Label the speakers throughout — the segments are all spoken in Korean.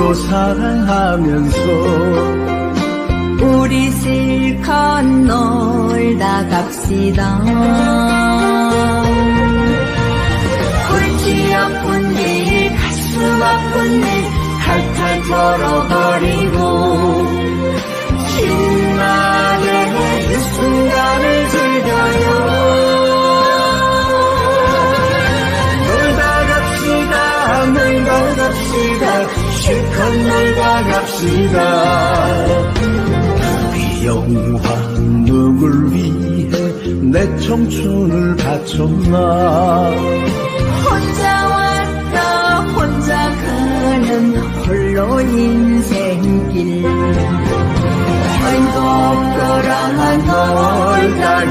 Speaker 1: 서로 사랑하면서
Speaker 2: 우리 실컷 놀다 갑시다. 골치 아픈 일 가슴 아픈 일 탈탈 털어버리고 신나게 이 순간을 즐겨요. 놀다 갑시다 실컷 놀다 갑시다.
Speaker 1: 우리 영화 누굴 위해 내 청춘을 바쳤나.
Speaker 2: 혼자 왔다 혼자 가는 홀로 인생길 행복거라 놀다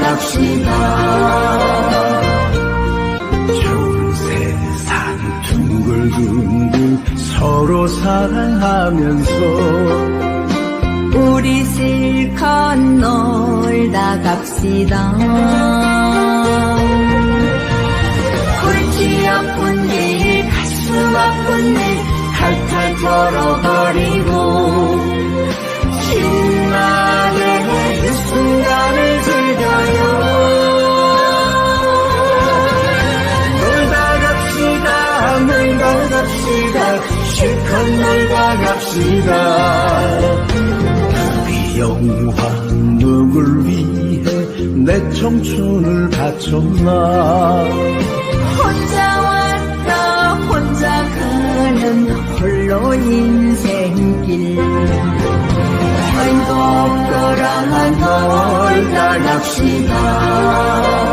Speaker 2: 갑시다.
Speaker 1: 좋은 세상 둥글둥글 서로 사랑하면서
Speaker 2: 우리 실컷 놀다 갑시다. 골치 아픈 일 가슴 아픈 일 탈탈 털어버리고 신나게 이 순간을 즐겨요. 놀다 갑시다 실컷 놀다 갑시다.
Speaker 1: 우리 영화 누굴 위해 내 청춘을 바쳤나.
Speaker 2: 혼자 왔다 혼자 가는 홀로 인생길 행복거라 놀다 갑시다.